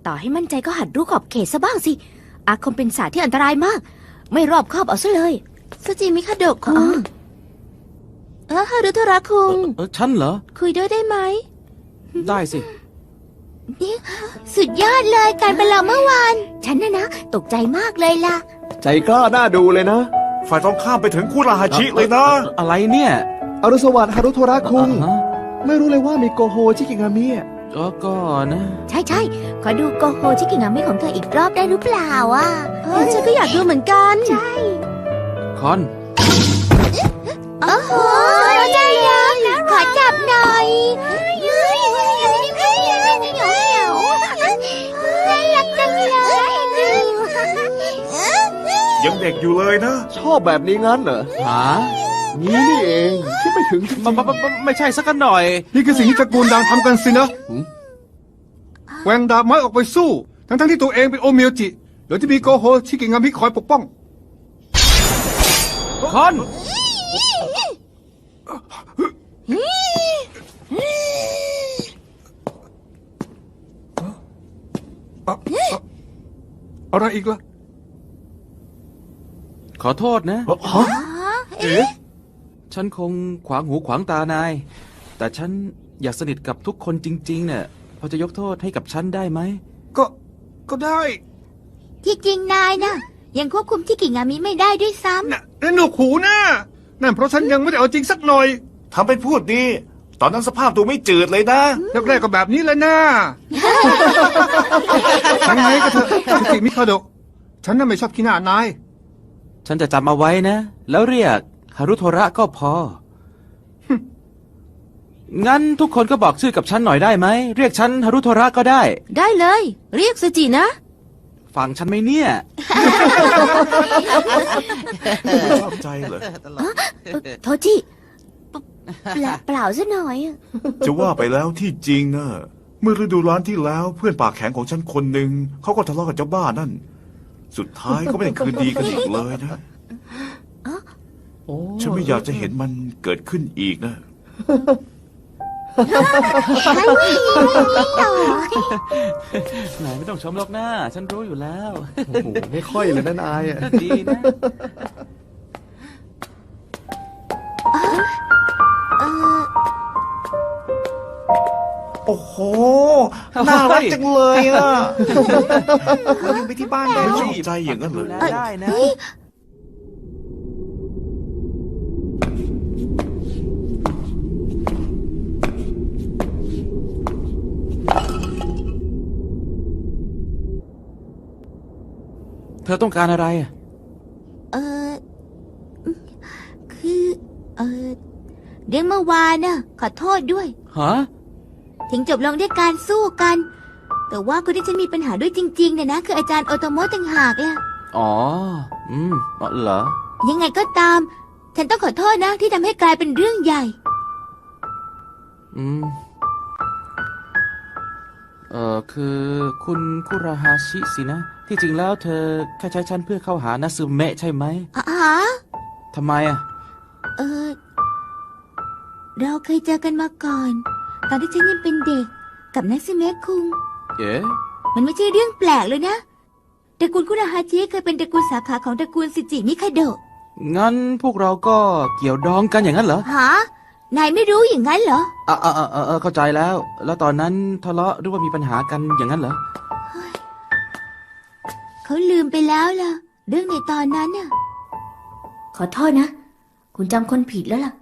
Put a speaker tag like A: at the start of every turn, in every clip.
A: ต่อให้มั่นใจก็หัดรู้ขอบเขตซะบ้างสิอาคมเป็นศาสตร์ที่อันตรายมากไม่รอบคอบเอาซะเลยสจิมิคาโดะคุงฮารุโทระคุง
B: ฉันเหรอ
A: คุยด้วยได้ไหม
B: ได้สิ
A: สุดยอดเลยการประลองเมื่อวานฉันนะตกใจมากเลยล่ะ
C: ใจกล้าน่าดูเลยนะ
D: ฝ่ายตรงข้ามไปถึงคุราฮาชิเลยนะ
B: อะไรเนี่ย
C: อรุณสวัสดิ์ฮารุโทระคุงไม่รู้เลยว่ามีโกโฮชิกิงามิ
B: ก็นะ
A: ใช่ขอดูโกโฮชิกิงามิของเธออีกรอบได้หรือเปล่าฉันก็อยากดูเหมือนกันใช่
B: คอน
A: โอ้โหใจร้อนขอจับหน่อย
D: ยังเด็กอยู่เลยนะ
C: ชอบแบบนี้งั้นเหรอ
B: หา
C: นี่เองคิดไม่ถึง
B: ไม่ใช่สักหน่อย
E: นี่คือสิ่งที่ตระกูลดังทำกันสินะแหวงดาบไม้ออกไปสู้ทั้งที่ตัวเองเป็นโอเมียวจิโดยที่มีโกโฮชิกิงามิคอยปกป้อง
B: คอน
E: อะไรอีกล่ะ
B: ขอโทษนะฉันคงขวางหูขวางตานายแต่ฉันอยากสนิทกับทุกคนจริงๆเนี่ยพอจะยกโทษให้กับฉันได้ไหม
E: ก็ได้
A: ที่จริงนายนะยังควบคุมที่กิงามิไม่ได้ด้วยซ้ำ
E: นั่นหนวกหูนะนั่นเพราะฉันยังไม่ได้เอาจริงสักหน่อย
D: ทำเป็นพูดดีตอนนั้นสภาพดูไม่จืดเลยนะ
E: แรกๆก็แบบนี้แหละนะยังไงก็เถอะสจิมิคาโดะฉันน่ะไม่ชอบขี้หน้านาย
B: ฉันจะจำเอาไว้นะแล้วเรียกฮารุโทระก็พองั้นทุกคนก็บอกชื่อกับฉันหน่อยได้ไหมเรียกฉันฮารุโทระก็ได้
A: ได้เลยเรียกสจินะ
B: ฟังฉันไหมเนี่ย
D: ชอบใจเหรอ
A: โทจิเปล่าซะหน่อย
D: จะว่าไปแล้วที่จริงนะเมื่อฤดูร้อนที่แล้วเพื่อนปากแข็งของฉันคนหนึ่งเขาก็ทะเลาะกับเจ้าบ้านั่นสุดท้ายก็ไม่ได้คืนดีกันอีกเลยนะฉันไม่อยากจะเห็นมันเกิดขึ้นอีกนะ
B: ไหนไม่ต้องชมหรอกนะฉันรู้อยู่แล้ว
C: โอ้โหไม่ค่อยเลยนะนาย
B: ดีนะ
D: โอ้โหน่ารักจังเลยอ่ะเราไปที่บ้านได้ชอบใจอย่างนั้นเลย
B: ได้นะเธอต้องการอะไร
A: คือเรื่องเมื่อวานน่ะขอโทษด้วย
B: ฮะ
A: ถึงจบลงด้วยการสู้กันแต่ว่าคนที่ฉันมีปัญหาด้วยจริงๆเนี่ยนะคืออาจารย์โอโตโมะต่างหากล่ะ
B: อ๋อเหรอ
A: ยังไงก็ตามฉันต้องขอโทษนะที่ทำให้กลายเป็นเรื่องใหญ่
B: คือคุณคุราฮาชิสินะที่จริงแล้วเธอแค่ใช้ฉันเพื่อเข้าหานาซึเมะใช่ไหมทำไม
A: เราเคยเจอกันมาก่อนตอนที่ฉันยังเป็นเด็กกับนาซึเมะคุงมันไม่ใช่เรื่องแปลกเลยนะตระกูลคุราฮาชิเคยเป็นตระกูลสาขาของตระกูลซิจิมิคาโดะ
B: งั้นพวกเราก็เกี่ยวดองกันอย่างนั้นเหรอ
A: ฮะนายไม่รู้อย่างนั้นเหรอ
B: เข้าใจแล้วตอนนั้นทะเลาะหรือว่ามีปัญหากันอย่างนั้นเหรอ
A: เขาลืมไปแล้วล่ะเรื่องในตอนนั้นน่ะขอโทษนะคุณจำคนผิดแล้วล่ะ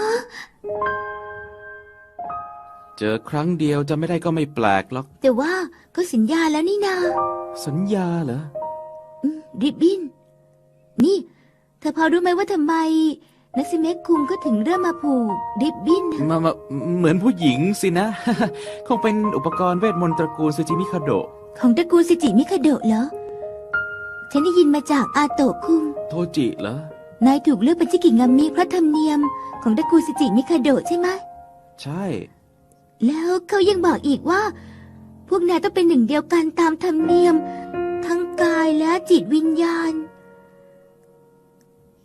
B: เจอครั้งเดียวจะไม่ได้ก็ไม่แปลกหรอก
A: แต่ว่าก็สัญญาแล้วนี่นา
B: สัญญาเหรอ
A: ริบบิ้นนี่เธอพอรู้ไหมว่าทำไมนักซิเมะคุงก็ถึงเริ่มมาผูกริบบิ้น
B: มาเหมือนผู้หญิงสินะ คงเป็นอุปกรณ์เวทมนต์ตระกูลซูจิมิคาโดะ
A: ของตระกูลซูจิมิคาโดะเหรอฉันได้ยินมาจากอาโตะคุง
B: โทจิเหร
A: อนายถูกเลือกเป็นชิกิงามิเพราะธรรมเนียมของตระกูลซูจิมิคาโดะใช่ไหม
B: ใช่
A: แล้วเขายังบอกอีกว่าพวกนายต้องเป็นหนึ่งเดียวกันตามธรรมเนียมทั้งกายและจิตวิญญาณ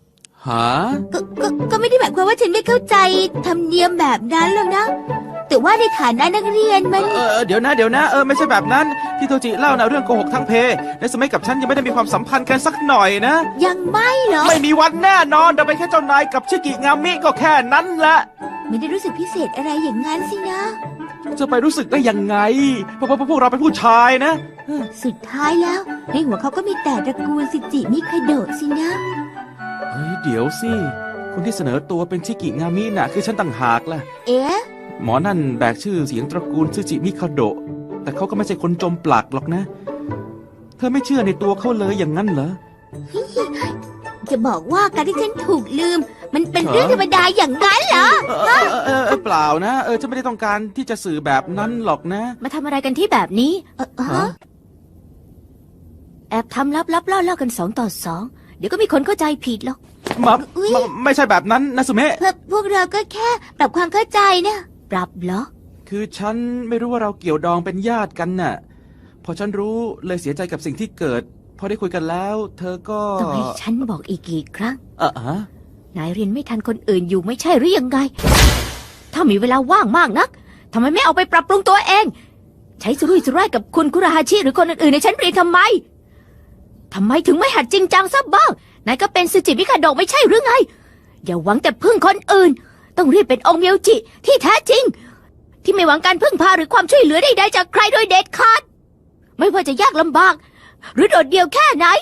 B: หา
A: ก็ไม่ได้หมายความว่าฉันไม่เข้าใจธรรมเนียมแบบนั้นหรอกนะ แต่ว่าในฐานะนักเรียนมัน
B: เดี๋ยวนะไม่ใช่แบบนั้นที่โทจิเล่านะเรื่องโกหกทั้งเพในสมัยกับฉันยังไม่ได้มีความสัมพันธ์กันสักหน่อยนะ
A: ยังไม่เหรอ
B: ไม่มีวันแน่นอนเราเป็นแค่เจ้านายกับชิกิงามิก็แค่นั้นแหละ
A: ไม่ได้รู้สึกพิเศษอะไรอย่างนั้นสินะ
B: จะไปรู้สึกได้ยังไงเพราะพวกเราเป็นผู้ชายนะ
A: สุดท้ายแล้วในหัวเขาก็มีแต่ตระกูลซิจิมิคาโดะสินะ
B: เฮ้ยเดี๋ยวสิคนที่เสนอตัวเป็นชิกิงามิน่ะคือฉันต่างหากล่ะ
A: เอ๊ะ
B: หมอนั่นแบกชื่อเสียงตระกูลซูจิมิคาโดะแต่เขาก็ไม่ใช่คนจมปลักหรอกนะ เธอไม่เชื่อในตัวเขาเลยอย่างนั้นเหรอ
A: จะบอกว่าการที่ฉันถูกลืม มันเป็นเรื่องธรรมดาอย่างนั้นเหรอ
B: เปล่านะฉันไม่ได้ต้องการที่จะสื่อแบบนั้นหรอกนะ
F: มาทำอะไรกันที่แบบนี้
B: ฮะ
F: แอบทำลับๆล่อๆกัน2 ต่อ 2 เดี๋ยวก็มีคนเข้าใจผิดหรอก
B: ไม่ใช่แบบนั้นนะสุเมะ
A: พวกเราก็แค่ปรับความเข้าใจนะ
F: ปรับเหรอ
B: คือฉันไม่รู้ว่าเราเกี่ยวดองเป็นญาติกันน่ะ พอฉันรู้เลยเสียใจกับสิ่งที่เกิด พอได้คุยกันแล้ว เธอก็
F: ต้องให้ฉันบอกอีกกี่ครั้ง
B: ฮะ
F: นายเรียนไม่ทันคนอื่นอยู่ไม่ใช่หรือยังไง ถ้ามีเวลาว่างมากนักทำไมไม่เอาไปปรับปรุงตัวเอง ใช้สุรุ่ยสุร่ายกับคุณคุราฮาชิหรือคนอื่นๆในชั้นเรียนทำไมถึงไม่หัดจริงจังซะบ้างนายก็เป็นซูจิมิคาโดะไม่ใช่หรือไง อย่าหวังแต่พึ่งคนอื่น ต้องรีบเป็นองค์เมียวจิที่แท้จริง ที่ไม่หวังการพึ่งพาหรือความช่วยเหลือใดๆจากใครโดยเด็ดขาด ไม่ว่าจะยากลำบาก หรือโดดเดี่ยวแค่ไหน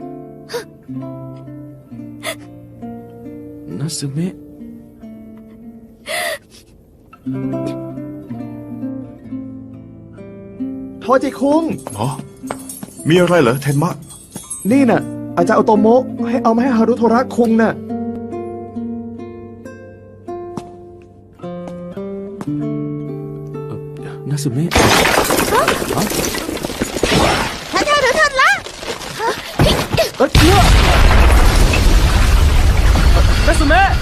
B: นัสุเมะ
C: โทจิคุง
D: อ๋อมีอะไรเหรอเทนมะ
C: นี่น่ะ อาจารย์โอโตโมะให้เอามาให้ฮารุโทระคุงน่ะ
B: นัสุเมะ
A: ท่านละ
B: นัสุเมะ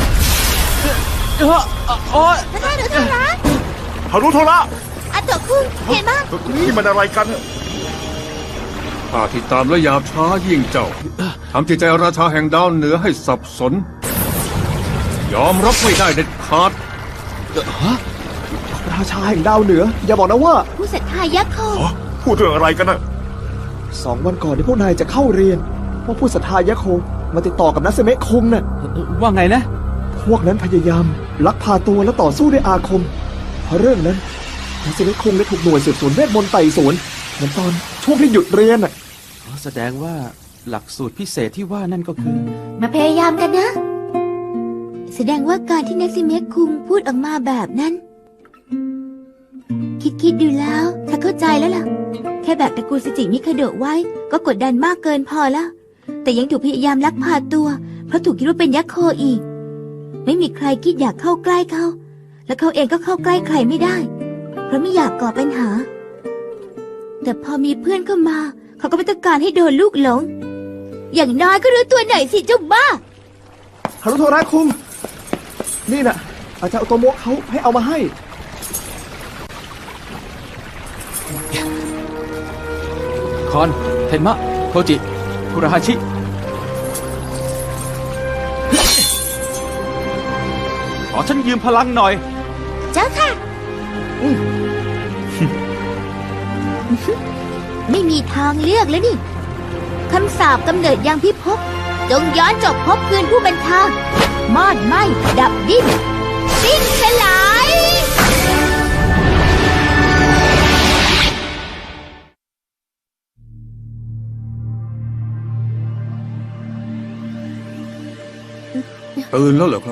B: โอ๊ย
A: ท่านละ
D: ฮารุโทระ
A: อาโตะคุงเห็นมั้ย
D: นี่มันอะไรกัน
E: ข้าที่ตามและยาบช้ายิ่งเจ้าทำจิตใจราชาแห่งดาวเหนือให้สับสน ยอมรับไม่ได้เด็ดขาด
C: ราชาแห่งดาวเหนือ อย่าบอกนะว่า
A: ผู้ศรัทธายะโค
D: อ๋อ พูดเรื่องอะไรกันนะ
C: 2 วันก่อนที่พวกนายจะเข้าเรียนพวกผู้ศรัทธายะโคมาติดต่อกับนัสเมะคุงน่ะ
B: ว่าไงนะ
C: พวกนั้นพยายามลักพาตัวและต่อสู้ด้วยอาคม เพราะเรื่องนั้นนัสเมะคุงได้ถูกหน่วยสืบสวนเวทมนต์ไต่สวนเหมือนตอนช่วงที่หยุดเรียนน่ะ
B: แสดงว่าหลักสูตรพิเศษที่ว่านั่นก็คือ
A: มาพยายามกันนะ แสดงว่าการที่นักซิเมะคุงพูดออกมาแบบนั้น คิดดูแล้วถ้าเข้าใจแล้วล่ะ แค่แบกตระกูลซิจิมิคาโดะไว้ก็กดดันมากเกินพอแล้วแต่ยังถูกพยายามลักพาตัวเพราะถูกคิดว่าเป็นยักษ์โคอีก ไม่มีใครคิดอยากเข้าใกล้เขา และเขาเองก็เข้าใกล้ใครไม่ได้ เพราะไม่อยากก่อปัญหา แต่พอมีเพื่อนเข้ามาเขาก็ไม่ต้องการให้โดนลูกหลง อย่างน้อยก็รู้ตัวหน่อยสิเจ้าบ้า
C: ฮารุโทระคุง นี่น่ะ อาจารย์โอโตโมะเขาให้เอามาให้
B: คอน เทนมะ โทจิ คุราฮาชิ ขอฉันยืมพลังหน่อย
A: เจ้าค่ะ ไม่มีทางเลือกแล้วนี่ คำสาปกำเนิดยังพิภพจงย้อนจบภพคืนผู้บัญชามอดไหมดับดิ้นสิ้นสลาย
E: ตื่นแล้วเหรอครับ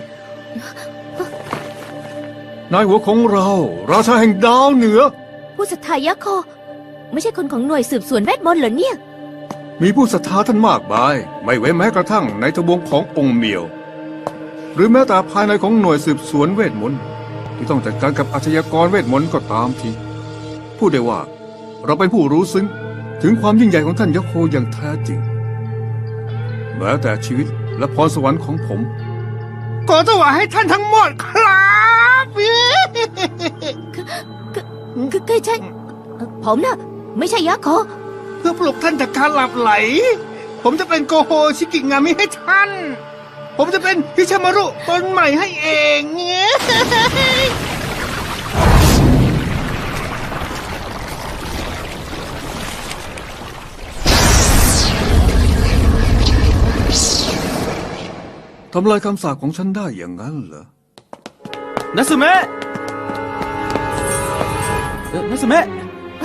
E: นายหัวของเรา ราชาแห่งดาวเหนือ
F: ผู้ศรัทธายะโค ไม่ใช่คนของหน่วยสืบสวนเวทมนต์เหรอเนี่ย
E: มีผู้ศรัทธาท่านมากมาย ไม่เว้นแม้กระทั่งในทบวงขององค์เมียว หรือแม้แต่ภายในของหน่วยสืบสวนเวทมนต์ที่ต้องจัดการกับอาชญากรเวทมนต์ก็ตามทีพูดได้ว่า เราเป็นผู้รู้ซึ้งถึงความยิ่งใหญ่ของท่านยะโคอย่างแท้จริงแม้แต่ชีวิตและพรสวรรค์ของผมก็ถวายให้ท่านทั้งหมดครับ
F: คือฉันผมน่ะไม่ใช่ยะโค
E: เพื่อปลุกท่านจากการหลับไหล ผมจะเป็นโกโฮชิกิงามิให้ท่านผมจะเป็นฮิชามารุคนใหม่ให้เองเงี้ยทำลายคำสาปของฉันได้อย่างนั้นเหรอ
B: นัสึเมะนัสึเมะ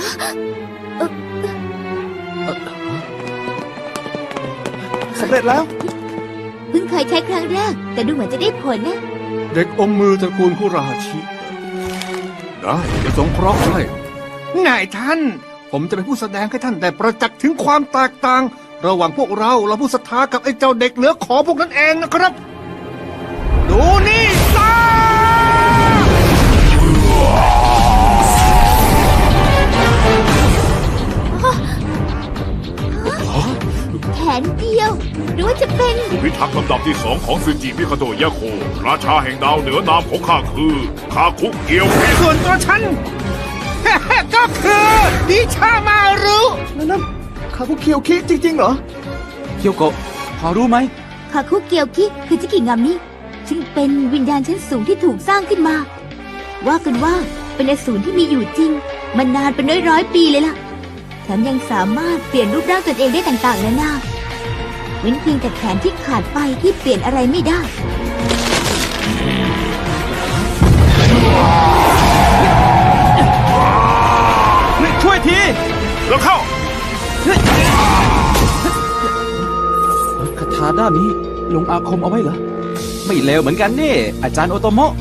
C: สำเร็จแล้ว
A: เพิ่งเคยใช้ครั้งแรก แต่ดูเหมือนจะได้ผลนะ
E: เด็กอมมือตระกูลคุราฮาชิ ได้จะสงเคราะห์ให้นายท่าน ผมจะเป็นผู้แสดงให้ท่านได้ประจักษ์ถึงความแตกต่าง ระหว่างพวกเราและผู้ศรัทธากับไอ้เจ้าเด็กเหลือขอพวกนั้นเองนะครับ ดูนี่ซะ
A: แขนเดียว หรือว่าจะเป็น
G: ผู้พิทักษ์ลำดับที่ 2ของซึจิมิคาโตะยะโค ราชาแห่งดาวเหนือนามของข้าคือคาคุเกียวเพชร
E: ส่วนตัวฉัน ก็คือดิชามารุ
C: นั่นคาบุเคียวคิจริงๆเหรอ
B: เคียวโกะพอรู้ไหม
A: คาคุเกียวคิคือจิกิงามนี้ซึ่งเป็นวิญญาณชั้นสูงที่ถูกสร้างขึ้นมา ว่ากันว่าเป็นอสูรที่มีอยู่จริงมานานเป็นร้อยๆปีเลยล่ะแถมยังสามารถเปลี่ยนรูปร่างตนเองได้ต่างๆนานาเว้นเพียงแต่แขนที่ขาดไปที่เปลี่ยนอะไรไม่ได้
B: ช่วยที
G: แล้วเข้า
B: คาถาด้านนี้ลงอาคมเอาไว้เหรอ ไม่เลวเหมือนกันนี่ อาจารย์โอโตโมะ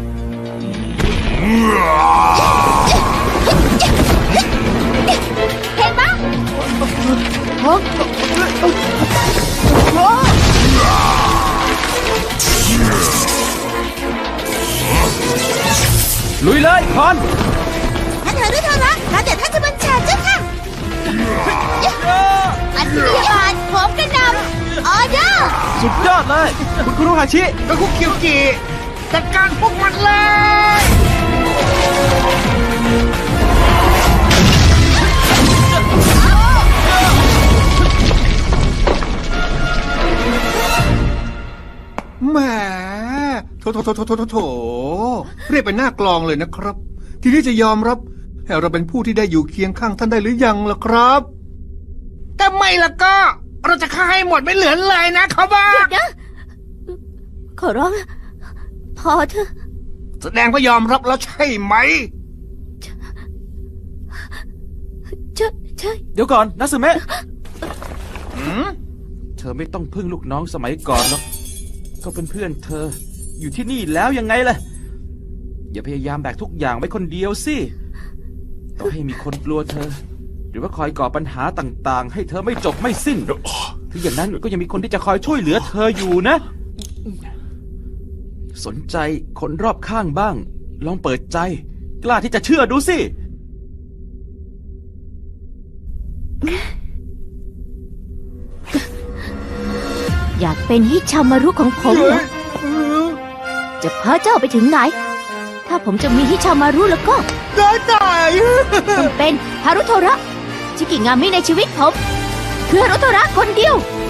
A: เห็นปะ
B: ลุยเลยคอน
A: ท่านเธอด้วยเธอละแล้วเดี๋ยวท่านจะบัญชาเจ้าค่ะอันนี้บาทผมกระนำออเดอร์
B: สุดยอดเลย คุณคุโรฮาชิ
E: กะคุเคียวกิจัดการพวกมันเลย แหมโถเรียกเป็นหน้ากลองเลยนะครับ ทีนี้จะยอมรับให้เราเป็นผู้ที่ได้อยู่เคียงข้างท่านได้หรือยังล่ะครับแต่ไม่ล่ะก็ เราจะฆ่าให้หมดไม่เหลือเลยนะเขาบ้า
F: นะขอร้องนะพอเถอะ
E: แสดงว่ายอมรับแล้วใช่ไหม
F: ใช่
B: เดี๋ยวก่อนนัสึเมะ
E: หืม
B: เธอไม่ต้องพึ่งลูกน้องสมัยก่อนหรอก ก็เป็นเพื่อนเธอ อยู่ที่นี่แล้วยังไงล่ะ อย่าพยายามแบกทุกอย่างไว้คนเดียวสิ ต้องให้มีคนกลัวเธอ หรือว่าคอยก่อปัญหาต่างๆ ให้เธอไม่จบไม่สิ้น ถึงอย่างนั้นก็ยังมีคนที่จะคอยช่วยเหลือเธออยู่นะ สนใจคนรอบข้างบ้าง ลองเปิดใจ กล้าที่จะเชื่อดูสิ
F: อยากเป็นฮิชามารุของผมเหรอ จะพาเจ้าไปถึงไหน ถ้าผมจะมีฮิชามารุแล้วก็
E: ได้ตาย
F: ต้องเป็นฮารุโทระชิกิงามิในชีวิตผม คือฮารุโทระคนเดียว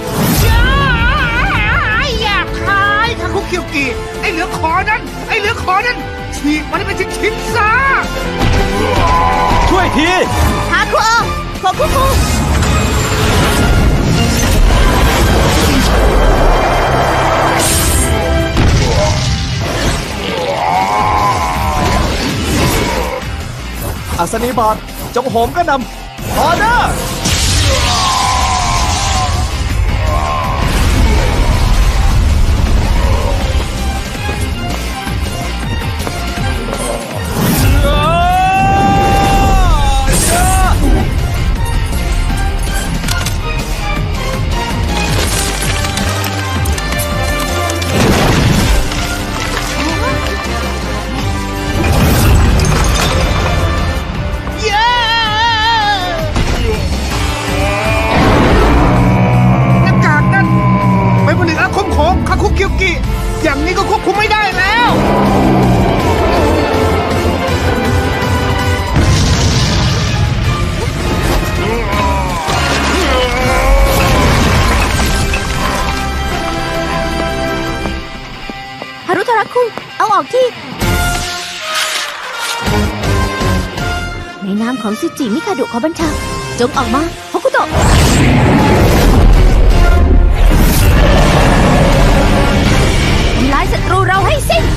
E: อยากขายคาคุเคียวกิไอ้เหลือขอนั้นฉีกมันให้เป็นชิ้นๆซะ
B: ช่วยที
A: ฮาคุโอโคคุคุ
C: อัศนีบาทจงโหมกระหนำออเดอร์
E: เย้
F: ในนามของซูจิมิคาโดะขอบัญชาจงออกมาฮอกุโตะทำลายศัตรูเราให้สิ้น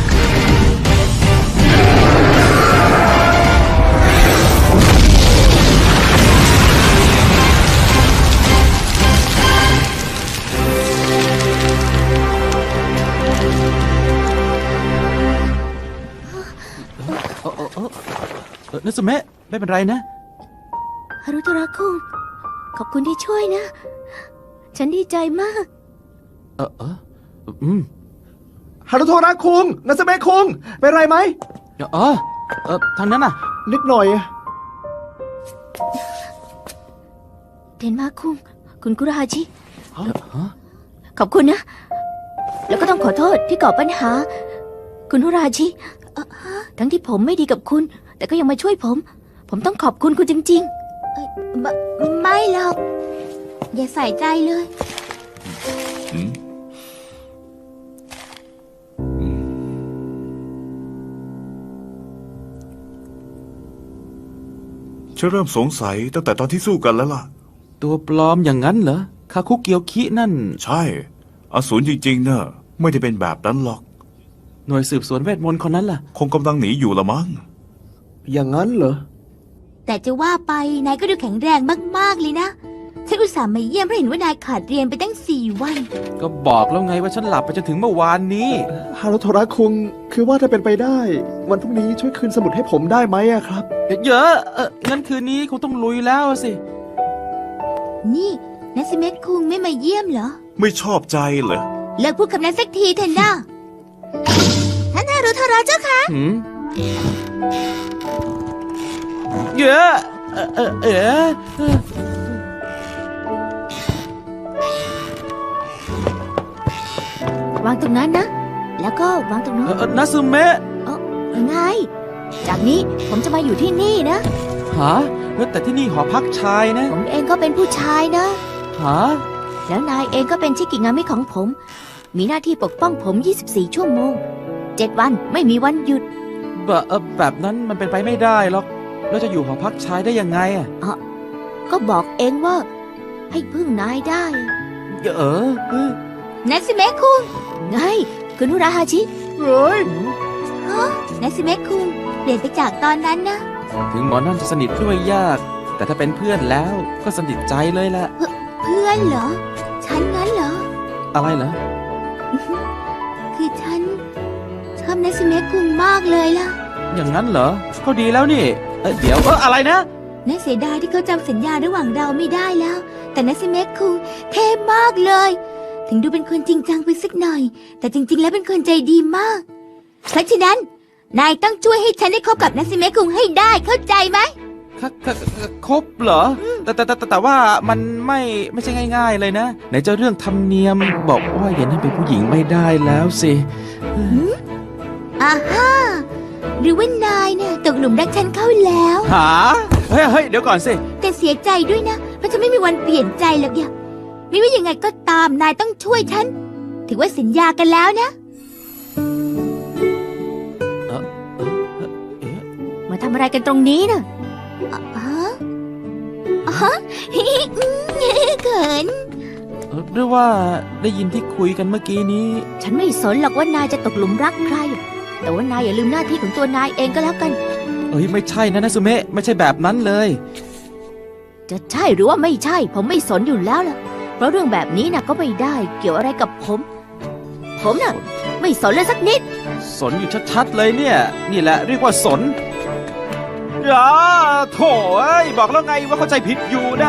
B: นัสเมะไม่เป็นไรนะ
F: ฮารุโทระคุงขอบคุณที่ช่วยนะ ฉันดีใจมาก
C: ฮารุโทระคุงนัสเมะคุงเป็นไรไหม
B: ทางนั้นน่ะ
C: นิดหน่อย
F: เทนมาคุงคุณคุราฮาชิขอบคุณนะ แล้วก็ต้องขอโทษที่ก่อปัญหา คุณคุราฮาชิทั้งที่ผมไม่ดีกับคุณ แต่ก็ยังมาช่วยผมต้องขอบคุณคุณจริง
A: ไม่หรอก อย่าใส่ใจเลย
D: ฉันเริ่มสงสัยตั้งแต่ตอนที่สู้กันแล้วล่ะ
B: ตัวปลอมอย่างนั้นเหรอ คาคุเกียวคินั่น
D: ใช่อสูรจริงๆเนอะไม่ได้เป็นแบบนั้นหรอก
B: หน่วยสืบสวนเวทมนต์คนนั้นล่ะ
D: คงกำลังหนีอยู่ละมั้ง
C: อย่างนั้นเหรอ
A: แต่จะว่าไปนายก็ดูแข็งแรงมากๆเลยนะ ฉันอุตส่าห์มาเยี่ยมเพราะเห็นว่านายขาดเรียนไปตั้ง4 วัน
B: ก็บอกแล้วไงว่าฉันหลับไปจนถึงเมื่อวานนี้
C: ฮารุโทระคุงคือว่าถ้าเป็นไปได้ วันพรุ่งนี้ช่วยคืนสมุดให้ผมได้ไหมอะครับ
B: เยอะงั้นคืนนี้คงต้องลุยแล้วสิ
A: นี่นัสเมะคุงไม่มาเยี่ยมเหรอ
D: ไม่ชอบใจเหรอ
A: เลิกพูดคำนั้นสักทีเถอะนะท่านฮารุโทระเจ้าคะ
B: เยอะ
F: ๆ วางตรงนั้นนะ แล้วก็วางตรงนั้น
B: นัสเมะ
F: ไง จากนี้ผมจะมาอยู่ที่นี่นะ
B: หาแต่ที่นี่หอพักชายนะ
F: ผมเองก็เป็นผู้ชายนะ
B: หา
F: แล้วนายเองก็เป็นชิกิงามิของผม มีหน้าที่ปกป้องผม 24 ชั่วโมง 7 วันไม่มีวันหยุด
B: แบบนั้นมันเป็นไปไม่ได้หรอกแล้วจะอยู่หอพักชายได้ยังไงอ่ะ
F: ก็บอกเองว่า ให้พึ่งนายได้
A: นัสเมะคุง
F: ไงคุณนุราฮาชิ
C: เฮ้ย
A: นัสเมะคุงเปลี่ยนไปจากตอนนั้นนะ
B: ถึงหมอนั่นจะสนิทด้วยยาก แต่ถ้าเป็นเพื่อนแล้วก็สนิทใจเลยแหละ
A: เพื่อนเหรอ ฉันงั้นเหรอ
B: อะไรเหรอ
A: คือฉันชอบนัสเมะคุงมากเลยล่ะ
B: อย่างนั้นเหรอก็ดีแล้วนี่เดี๋ยวอะไรนะ
A: น่าเสียดายที่เขาจำสัญญาระหว่างเราไม่ได้แล้ว แต่นัสเมะคุงเท่มากเลย ถึงดูเป็นคนจริงจังไปสักหน่อย แต่จริงๆแล้วเป็นคนใจดีมาก เพราะฉะนั้น นายต้องช่วยให้ฉันได้คบกับนัสเมะคุงให้ได้เข้าใจไหม
B: ครบเหรอ แต่ว่ามันไม่ใช่ง่าย ๆเลยนะไหนจะเรื่องธรรมเนียมบอกว่าอย่านั่นเป็นผู้หญิงไม่ได้แล้วสิ
A: อ่าฮ่าหรือว่านายเนี่ยตกหลุมรักฉันเข้าแล้ว
B: หาเฮ้ยเดี๋ยวก่อนสิ
A: แต่เสียใจด้วยนะ เพราะฉันไม่มีวันเปลี่ยนใจหรอกอย่าไม่ว่ายังไงก็ตามนายต้องช่วยฉัน ถือว่าสัญญากันแล้วนะ
F: มาทำอะไรกันตรงนี้น่ะ
A: เขิน
B: หรือว่าได้ยินที่คุยกันเมื่อกี้นี้
F: ฉันไม่สนหรอกว่านายจะตกหลุมรักใคร แต่ว่านายอย่าลืมหน้าที่ของตัวนายเองก็แล้วกัน
B: ไม่ใช่นะนัสเมะไม่ใช่แบบนั้นเลย
F: จะใช่หรือว่าไม่ใช่ ผมไม่สนอยู่แล้วล่ะ เพราะเรื่องแบบนี้น่ะก็ไม่ได้เกี่ยวอะไรกับผม ผมน่ะไม่สนเลยสักนิด
B: สนอยู่ชัดๆเลยเนี่ย นี่แหละเรียกว่าสนอย่าโถ่บอกแล้วไงว่าเข้าใจผิดอยู่นะ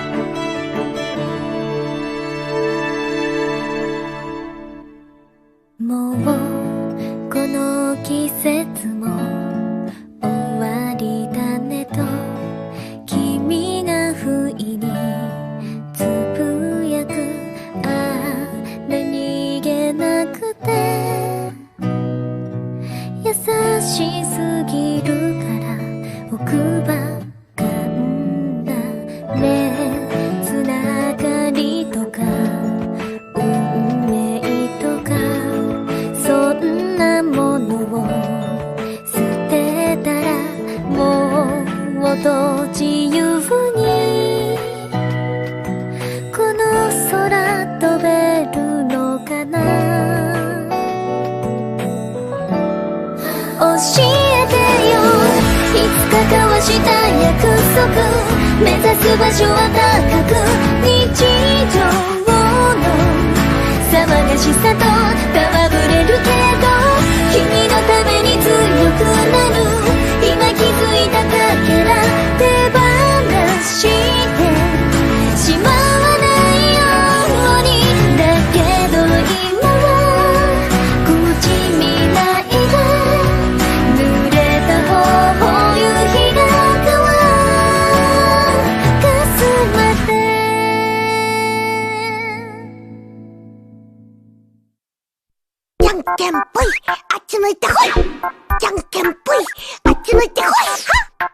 H: もうこの季節も終わりだねと君が不意につぶやくあれ逃げなくて優しすぎるから奥歯がんだねと自由にこの空飛べるのかな。教えてよ、いつか交わした約束、目指す場所は高く、日常の騒がしさと戯れるけど、君のために強くなる、今気づいたかけら手放してしまわないように。だけど今はこっち未来が濡れた頬、夕日が乾かすまで。
I: じゃんけんぽい、あっち向いてほい。じゃんけんぽい、あっち向いてほい。はっ